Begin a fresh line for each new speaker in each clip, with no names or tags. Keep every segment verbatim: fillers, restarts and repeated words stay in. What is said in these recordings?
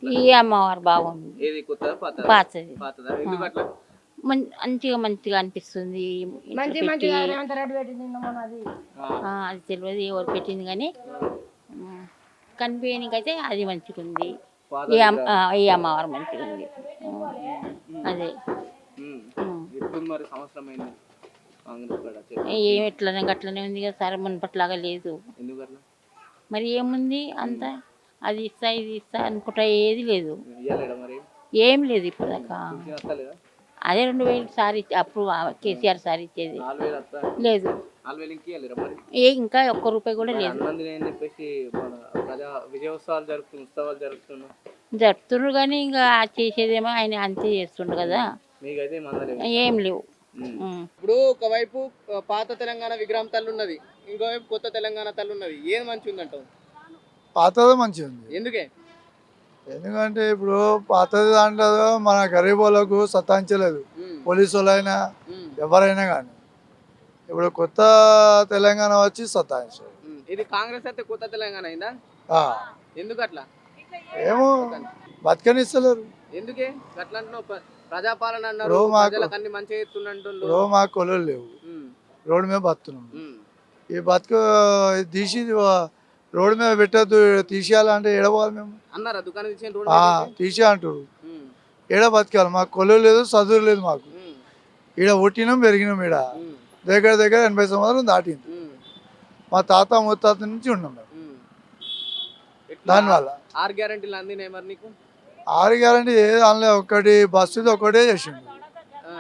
ఈ అమ్మవారు బాగుంది.
ఏది కొత్తదా పాతదా?
పాతది.
పాతదా? ఎందుకు అట్లా?
మం- మంచిగా మంచిగా అనిపిస్తుంది. ఇట్లా
మంచి
పెట్టి
మంచిగా రేవంత్ రెడ్డి పెట్టింది నిన్న మొన్న అది.
ఆ, అది తెలియదు ఎవరు పెట్టింది కానీ కనిపించనికైతే అది మంచిగా ఉంది.
పాత
ఈ అమ్-
విగ్రహం.
ఆ, ఈ అమ్మవారు మంచిగా ఉంది. అదే
ఉమ్.
ఉమ్.
ఎప్పుడు మరి సంవత్సరం అయింది కాంగ్రెస్ కాడ చెప్పు.
ఏం ఎట్లనే గట్లనే ఉంది కదా సార్, మునపట్లాగా లేదు.
ఎందుకు అట్లా?
మరి ఏముంది అంత అది ఇస్తా ఇది ఇస్తా అనుకుంటా ఏది లేదు,
ఇయ్యలేడా మరి?
ఏం లేదు ఇప్పటిదాకా.
పింఛన్ వస్తలేదా?
అదే రెండు వేలు సారి అప్పుడు ఆ కేసీఆర్ సార్ ఇచ్చేది
నాలుగు వేలు వస్తా
లేదు.
నాలుగు వేలు ఇంక ఇయ్యలేరా మరి?
ఏ ఇంకా ఒక్క రూపాయి కూడా
మరి
లేదు.
అన్నందుని అని చెప్పేసి మన ప్రజా విజయోత్సవాలు జరుపుతున్న ఉత్సవాలు జరుపుతున్నా
జరుపుతున్నారు కానీ ఇంకా చేసేదేమో ఆయన అంతే చేస్తుండు కదా,
మీకైతే మందలేవు.
ఏం లేవు.
ఉమ్.
ఉమ్.
ఇప్పుడు ఒకవైపు ఆ, పాత తెలంగాణ విగ్రహం తల్లి ఉన్నది, ఇంకోవైపు కొత్త తెలంగాణ తల్లి ఉన్నది. ఏది మంచిగా ఉంది అంటావు?
పాతదే మంచిగా ఉంది.
ఎందుకే?
ఎందుకంటే ఇప్పుడు పాతది దాంట్లో మన గరీబ్ వాళ్ళకు సతాయించలేదు,
ఉమ్.
పోలీసు వాళ్ళైనా
ఉమ్.
ఎవరైనా కానీ. ఇప్పుడు కొత్త తెలంగాణ వచ్చి సతాయించారు.
ఉమ్. ఇది కాంగ్రెస్ అయితే కొత్త తెలంగాణ అయిందా?
ఆ,
ఎందుకు అట్లా?
ఏమో బతకనిస్తలేరు.
ఎందుకే అట్లా అంటున్నావు? ప్ర- ప్రజాపాలన అన్నారు,
ఇప్పుడు మాకు-
ప్రజలకు అన్ని మంచిగా ఇస్తున్నట్టు.
ఇప్పుడు మాకు కొలులు లేవు, రోడ్డు మీద బతున్నాం. ఈ బతుకు తీసి రోడ్డు మీద పెట్టద్దు తీసేయాలంటే ఏడవాలి మేము.
అన్నారా దుకాణం ఇచ్చిన రోడ్డు
ఆ,
మీద పెట్టి?
తీసే అంటారు.
ఉమ్.
ఏడ బతకాలి, మాకు కొలువు లేదు, చదువు లేదు మాకు.
ఉమ్.
ఈడ పుట్టినాం పెరిగినాం, ఈడ
ఉమ్.
దగ్గర దగ్గర ఎనభై సంవత్సరం దాటింది.
ఉమ్.
మా తాత ముత్తాత నుంచి ఉన్నాం మేము.
ఉమ్. ఎట్లా?
దానివల్ల
ఆరు గ్యారెంటీలు అందినాయి మరి నీకు?
ఆరు గ్యారంటీ ఏది అనలే, ఒకటి బస్సుది ఒకటే చేసిండు.
ఆ.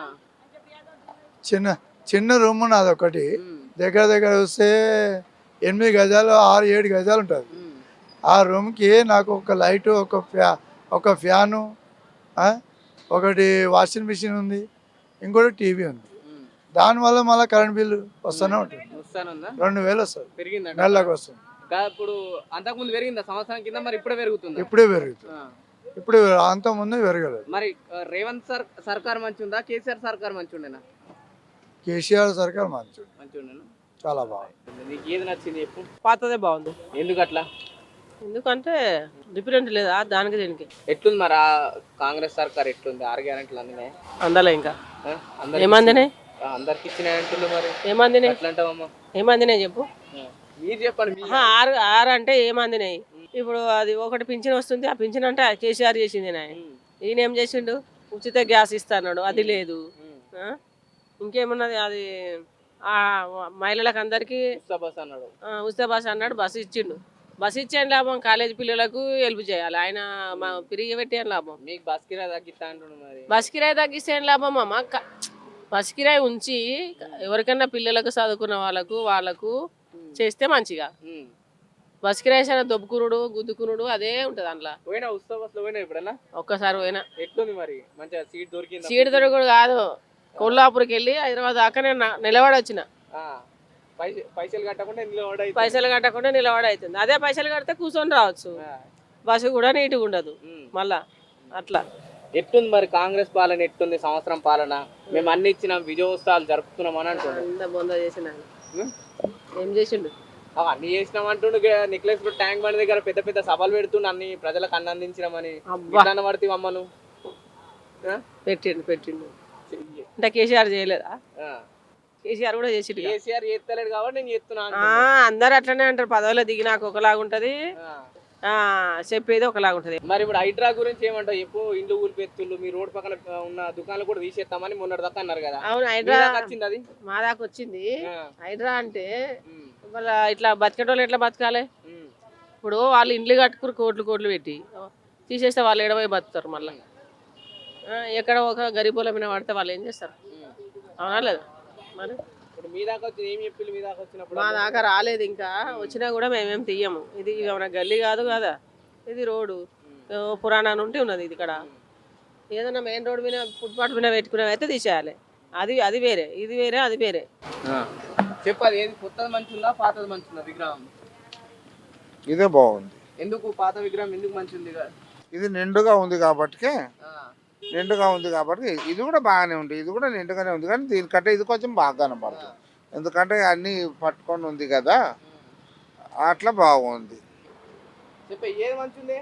చిన్న చిన్న రూమ్ ఉన్నది ఒకటి,
ఉమ్.
దగ్గర దగ్గర వస్తే ఎనిమిది గజాలు ఆరు ఏడు గజాలు ఉంటుంది.
ఉమ్.
ఆ రూమ్కి నాకు ఒక లైటు, ఒక ఫ్యా ఒక ఫ్యాను, ఆ, ఒకటి వాషింగ్ మిషన్ ఉంది, ఇంకోటి టీవీ ఉంది.
ఉమ్.
దానివల్ల మళ్ళీ కరెంట్ బిల్లు వస్తూనే ఉంటుంది.
వస్తానుందా?
రెండు వేలు వస్తుంది
పెరిగిందంట
నెలకు వస్తుంది.
కా- ఇప్పుడు అంతకుముందు పెరిగిందా సంవత్సరం కింద? మరి ఇప్పుడే పెరుగుతుందా?
ఇప్పుడే పెరుగుతుంది,
ఆ.
ఇప్పుడు అంత ముందు పెరగలేదు.
మరి ఆ, రేవంత్ సర్ సర్కార్ మంచి ఉందా, కేసీఆర్ సర్కార్ మంచి ఉండేనా?
కేసీఆర్ సర్కార్ మంచి
మంచి ఉండేనా?
చాలా బాగుంది.
నీకు ఏది నచ్చింది చెప్పు?
పాతదే బాగుంది.
ఎందుకు అట్లా?
ఎందుకంటే డిఫరెంట్ లేదా దానికి దీనికి
ఎట్లుంది మరి ఆ కాంగ్రెస్ సర్కార్ ఎట్లుంది? ఆరు గ్యారెంటీలు అందినాయి?
అందలే ఇంకా
ఆ? అందరికి
ఏమందినాయి
ఆ, అందరికి ఇచ్చినాయి అంటున్నారు. మరి
ఏమందినాయి
ఎట్లా అంటావమ్మా?
ఏమందినాయి చెప్పు.
ఆ. మీరు చెప్పండి. మీ-
ఆహా, ఆరు ఆరు అంటే ఏమందినాయి? ఇప్పుడు అది ఒకటి పింఛన్ వస్తుంది, ఆ పింఛన్ అంటే కేసీఆర్ చేసింది నాయ.
ఉమ్.
ఈయన ఏం చేసిండు? ఉచిత గ్యాస్ ఇస్తాడు, అది లేదు.
ఉమ్.
ఆ? ఇంకేమున్నది? అది ఆ మహిళలకు అందరికీ
ఉచిత బస్ అన్నాడు.
ఆ, ఉచిత బస్సు అన్నాడు, బస్సు ఇచ్చిండు. బస్సు ఇచ్చేయండి లాభం, కాలేజీ పిల్లలకు హెల్ప్ చేయాలి. ఆయన మా పిరిగి పెట్టేయని లాభం.
మీకు బస్ కిరాయి తగ్గిస్తా అంటున్నాడు. మరి
బస్ కిరాయి తగ్గిస్తే ఏం లాభం అమ్మ? క- బస్ కిరాయి ఉంచి ఎవరికైనా పిల్లలకు చదువుకున్న వాళ్ళకు వాళ్ళకు చేస్తే మంచిగా.
ఉమ్.
బస్ కిరాయి సరే దొబ్బుకునుడు గుద్దుకునుడు అదే ఉంటుంది అందులో.
పోయినా ఉచిత బస్సులో పోయినా ఎప్పుడన్నా?
ఒక్కసారి పోయినా.
ఎట్లుంది మరి? మంచిగా సీట్ దొరికింది?
సీటు దొరకడు కాదు, కొల్లాపూర్కి వెళ్ళి హైదరాబాద్ దాకా నేను నా- నిలబడి వచ్చిన.
పైసలు కట్టకుండా నిలబడి అయితే.
పైసలు కట్టకుండా నిలబడి అవుతుంది. అదే పైసలు కడితే కూర్చొని రావచ్చు.
ఆ.
బస్సు కూడా నీట్గా ఉండదు
ఉమ్.
మళ్ళా అట్లా.
ఎట్లుంది మరి కాంగ్రెస్ పాలన? ఎట్లుంది సంవత్సరం పాలన? మేము అన్ని ఇచ్చినాం, విజయోత్సవాలు జరుపుతున్నాం అని అంటున్నాం.
అంత బొంద చేసిన ఆయన. ఏం చేసిండు?
అన్ని చేసినాం అంటుండు. నెక్లెస్ ట్యాంక్ బండ్ దగ్గర పెద్ద పెద్ద సభలు పెడుతుండు, అన్ని ప్రజలకు అన్ని అందించినామని.
అబ్బా.
ఎట్లా పడితే అమ్మను?
పెట్టిండు పెట్టిండు అంటే కేసీఆర్ చేయలేదా? కేసీఆర్ కూడా చేసిండు కదా.
కేసీఆర్ చేస్తలేడు కాబట్టి నేను చేస్తున్నా
ఆ,
అంటుండు.
అందరు అట్లనే అంటారు, పదవిలో దిగినాక ఒకలాగా ఉంటది,
ఆ.
ఆ చెప్పేది ఒకలాగా ఉంటది.
మరి ఇప్పుడు హైడ్రా గురించి ఏమంటావు చెప్పు? ఇండ్లు ఊరిపెత్తుళ్ళు, మీ రోడ్ పక్కన ఉన్న దుకాణాలు కూడా తీసేస్తామని మొన్నటి దాకా అన్నారు కదా.
అవును,
మీ
హైడ్రా
దాకా వచ్చింది అది?
మా దాకా వచ్చింది.
ఆ.
హైడ్రా అంటే
ఉమ్.
మళ్ళీ ఇట్లా బతికేటోళ్ళు ఎట్లా బతకాలి?
ఉమ్.
ఇప్పుడు వాళ్ళు ఇండ్లు కట్టుకుని కోట్లు కోట్లు పెట్టి తీసేస్తే వాళ్ళు ఎడబోయి బతుకుతారు మళ్ళీ. ఎక్కడ ఒక గరీబుల మీద పడితే వాళ్ళు ఏం చేస్తారు?
ఉమ్.
అవునా లేదా? మరి
ఇప్పుడు మీ దాకా వచ్చి ఏం చెప్పి మీ దాకా వచ్చినప్పుడు?
మా దాకా రాలేదు ఇంకా, వచ్చినా కూడా మేమేం తీయము. ఇది ఏమైనా గల్లీ కాదు కదా, ఇది రోడ్డు పురాణా నుండి ఉన్నది. ఇది ఇక్కడ ఏదైనా మెయిన్ రోడ్ మీద ఫుట్పాత్ మీద పెట్టుకునేవి అయితే తీసేయాలి. అది అది వేరే, ఇది వేరే, అది వేరే.
చెప్పాలి, ఏది కొత్తది మంచి ఉందా పాతది మంచి ఉందా విగ్రహం?
ఇదే బాగుంది.
ఎందుకు పాత విగ్రహం ఎందుకు మంచి ఉంది?
ఇది నిండుగా ఉంది కాబట్టి నిండుగా ఉంది కాబట్టి ఇది కూడా బాగానే ఉంది. ఇది కూడా నిండుగానే ఉంది కానీ దీనికంటే ఇది కొంచెం బాగా కనపడుతుంది, ఎందుకంటే అన్నీ పట్టుకొని ఉంది కదా, అట్లా బాగుంది.
చెప్పే ఏది మంచి ఉంది?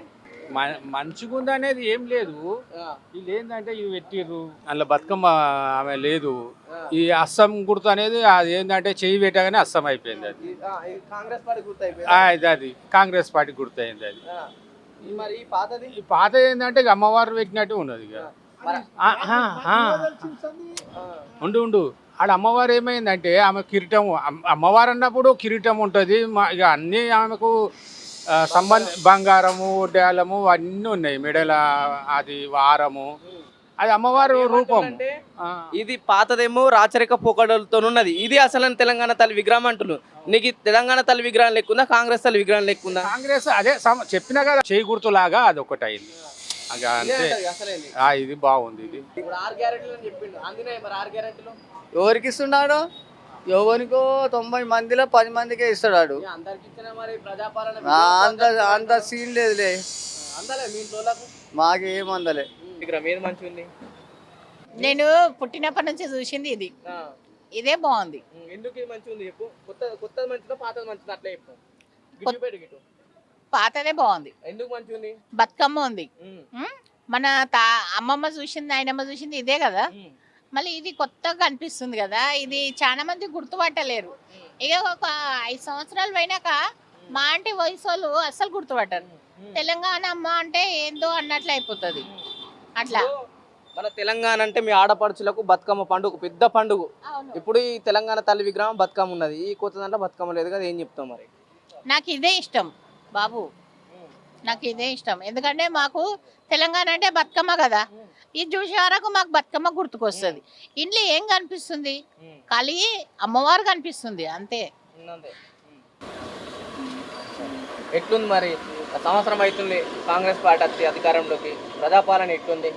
మ- మంచిగుంది అనేది ఏం లేదు.
ఆ,
వీళ్ళు ఏంటంటే ఇవి పెట్టిర్రు అందులో బతుకమ్మ ఆమె లేదు.
ఆ.
ఈ అస్సం గుర్తు అనేది అది ఏంటంటే చెయ్యి పెట్టగానే అస్సం అయిపోయింది అది.
ఈ- ఆ, ఈ కాంగ్రెస్ పార్టీ
ఆ,
గుర్తయిపోయింది.
ఇది అది కాంగ్రెస్ పార్టీ గుర్తయింది అది.
మరి ఈ పాతది
ఈ పాత ఏంటంటే ఇక అమ్మవారు పెట్టినట్టు ఉన్నది ఇక.
మరి
ఆ, ఆ, ఆ.
ఆ,
ఉండు ఉండు ఆడ అమ్మవారు ఏమైందంటే ఆమె కిరీటం అమ్- అమ్మవారు అన్నప్పుడు కిరీటం ఉంటుంది. ఇక అన్నీ ఆమెకు ఆ, సంబంధ బంగారము డ్యాలము అన్నీ ఉన్నాయి. మెడల అది వారము అది అమ్మవారు రూపం.
ఏమంటున్నారంటే,
ఆ.
ఇది పాతదేమో రాచరిక పోకడలతో ఉన్నది, ఇది అసలు తెలంగాణ తల్లి విగ్రహం అంటున్నారు. నీకు ఈ తెలంగాణ తల్లి విగ్రహం లెక్కుందా, కాంగ్రెస్ తల్లి విగ్రహం లెక్కుందా?
కాంగ్రెస్ అదే సమ- చెప్పినా కదా చేయి గుర్తులాగా అది ఒకటి అయింది. ఇక అంతే.
అసలేంది
ఆ, ఇది బాగుంది ఇది.
ఇప్పుడు ఆరు గ్యారెంటీలు అని చెప్పిండు, అందినాయి మరి ఆరు గ్యారెంటీలు?
ఎవరికి ఇస్తున్నాడు? ఎవరికో తొంభై మందిలో పది మందికే ఇస్తాడు.
ఇక అందరికి ఇచ్చిన మరి ప్రజాపాలన
ఆ, అంత అంత సీన్ లేదులే,
అందలే మీ ఇంట్లోలకు
మాకేం అందలే.
విగ్రహం ఏది మంచిగా ఉంది?
నేను పుట్టినప్పటి నుంచి చూసింది ఇది
ఆ,
ఇదే బాగుంది.
ఉమ్, ఎందుకు ఇది మంచిగా ఉంది చెప్పు. కొత్త కొత్తది మంచిదా పాతది మంచిదా అట్లా చెప్పు. గిట్టు పెట్టు గిట్టు.
పాతదే బాగుంది.
ఎందుకు మంచిగా ఉంది?
బతుకమ్మ ఉంది.
ఉమ్,
ఉమ్, మన తా అమ్మమ్మ చూసింది నాయనమ్మ చూసింది ఇదే కదా.
ఉమ్,
మళ్ళీ ఇది కొత్తగా కనిపిస్తుంది కదా. ఇది చాలా మంది గుర్తుపట్టలేరు. ఇక ఒక ఐదు సంవత్సరాలు పోయినాక మా ఆంటీ వయసు వాళ్ళు అస్సలు గుర్తుపట్టరు. తెలంగాణ అమ్మ అంటే ఏందో అన్నట్లు అయిపోతుంది అట్లా.
మన తెలంగాణ అంటే మీ ఆడపడుచులకు బతుకమ్మ పండుగ పెద్ద పండుగ.
అవును.
ఇప్పుడు ఈ తెలంగాణ తల్లి విగ్రహం బతుకమ్మ ఉన్నది, ఈ కొత్త దాంట్లో బతుకమ్మ లేదు కదా, ఏం చెప్తాం మరి?
నాకు ఇదే ఇష్టం బాబు, నాకు ఇదే ఇష్టం. ఎందుకంటే మాకు తెలంగాణ అంటే బతుకమ్మ కదా. ఇది చూసే వరకు మాకు బతుకమ్మ గుర్తుకొస్తుంది. ఇంట్లో ఏం కనిపిస్తుంది? ఖాళీ అమ్మవారు కనిపిస్తుంది అంతే.
ఉన్నదే. ఎట్లుంది మరి? సంవత్సరం అవుతుంది కాంగ్రెస్ పార్టీ వచ్చి అధికారంలోకి, ప్రజాపాలన ఎట్లుంది?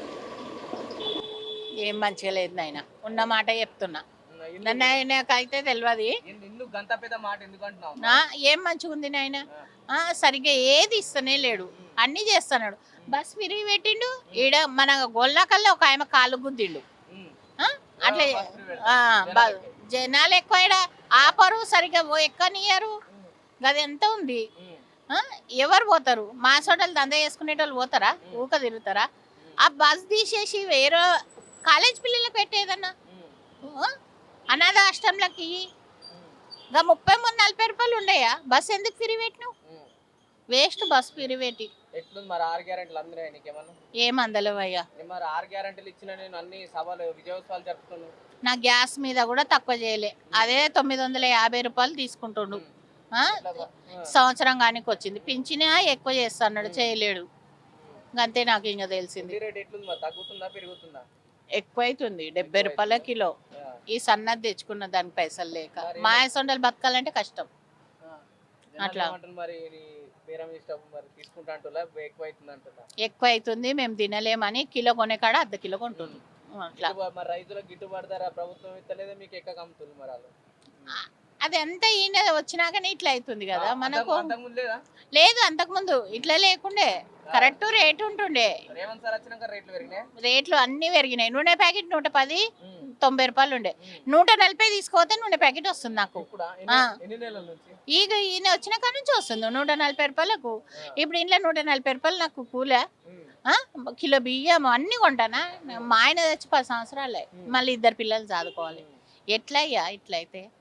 ఏం మంచిగా లేదు నాయన, ఉన్న మాట చెప్తున్నా. నన్ను ఆయనకైతే తెలియదు.
ఎందుకు గంత పెద్ద మాట ఎందుకు అంటున్నావు?
నా ఏం మంచిగా ఉంది నాయన, సరిగ్గా ఏది ఇస్తనే లేడు, అన్నీ చేస్తున్నాడు. బస్ విరిగి పెట్టిండు. ఈడ మన గొల్లకల్లా ఒక ఆయన కాలు గుద్దిండు. ఆ, అట్లా ఆ, బ- జనాలు ఎక్కువ ఈడ ఆపరు, సరిగ్గా ఎక్కనియరు. గది ఎంత ఉంది. ఆ, ఎవరు పోతారు? మా సోటలు దంద చేసుకునేటోళ్ళు పోతారా? ఊక తిరుగుతారా? ఆ బస్ తీసేసి వేరే కాలేజ్ పిల్లలకు పెట్టేదన్నా, ఆ, అనాథ అష్టంలకి ఇంకా ముప్పై మూడు నలభై రూపాయలు ఉండయా? బస్ ఎందుకు తిరిగి పెట్టినావు? వేస్ట్ బస్ తిరిగి పెట్టి.
ఎట్లుంది మరి? ఆరు గ్యారెంటీలు అందినాయి నీకేమన్నా?
ఏమందలేవయ్యా.
మరి ఆరు గ్యారెంటీలు ఇచ్చిన నేను అన్ని సభలు విజయోత్సవాలు జరుపుతున్నాను.
నా గ్యాస్ మీద కూడా తక్కువ చేయలే, అదే తొమ్మిది వందల యాభై రూపాయలు తీసుకుంటుండు. ఆ, సంవత్సరం కానీ వచ్చింది. పింఛనే ఎక్కువ చేస్తా అన్నాడు, చేయలేడు. అంతే నాకు ఇంకా తెలిసింది.
రేట్ ఎట్లుంది మరి? తగ్గుతుందా పెరుగుతుందా?
ఎక్కువ అవుతుంది, డెబ్బై రూపాయల కిలో. ఈ సన్నది తెచ్చుకున్న దానికి పైసలు లేక మా సొండలు బతకాలంటే కష్టం. అట్లా.
ఏమంటారు మరి? నీ బేరం ఇష్టం మరి తీసుకుంటా అంటున్నా, ఎక్కువ అవుతుంది అంటున్నా.
ఎక్కువ అవుతుంది, మేము తినలేమని కిలో కొనే కాడ అర్ధ కిలో కొంటుంది. అట్లా
గిట్టుబా- మరి రైతులకు గిట్టుబాటు ధర ప్రభుత్వం ఇస్తలేదా మీకు? ఎక్క అమ్ముతుంది మరి వాళ్ళు?
అది అంతా ఈయన వచ్చినాకనే ఇట్లా అవుతుంది కదా మనకు.
అంతకుముందు లేదా?
లేదు, అంతకుముందు ఇట్లా లేకుండే, కరెక్ట్ రేట్ ఉంటుండే.
రేవంత్ సార్ వచ్చినాక రేట్లు పెరిగినాయి.
రేట్లు అన్ని పెరిగినాయి. నూనె ప్యాకెట్ నూట పది తొంభై రూపాయలు ఉండే, నూట నలభై తీసుకోతే నూనె ప్యాకెట్ వస్తుంది నాకు.
ఇప్పుడు
ఆ.
ఎన్ని నెలల నుంచి?
ఈగ ఈయన వచ్చిన కాడ నుంచి వస్తుంది నూట నలభై రూపాయలకు. ఇప్పుడు ఇంట్లో నూట నలభై రూపాయలు నాకు కూలా. ఆ, కిలో బియ్యం అన్ని కొంటానా? మా ఆయన తెచ్చి పది సంవత్సరాలే, మళ్ళీ ఇద్దరు పిల్లలు చదువుకోవాలి. ఎట్లయ్యా ఇట్లయితే?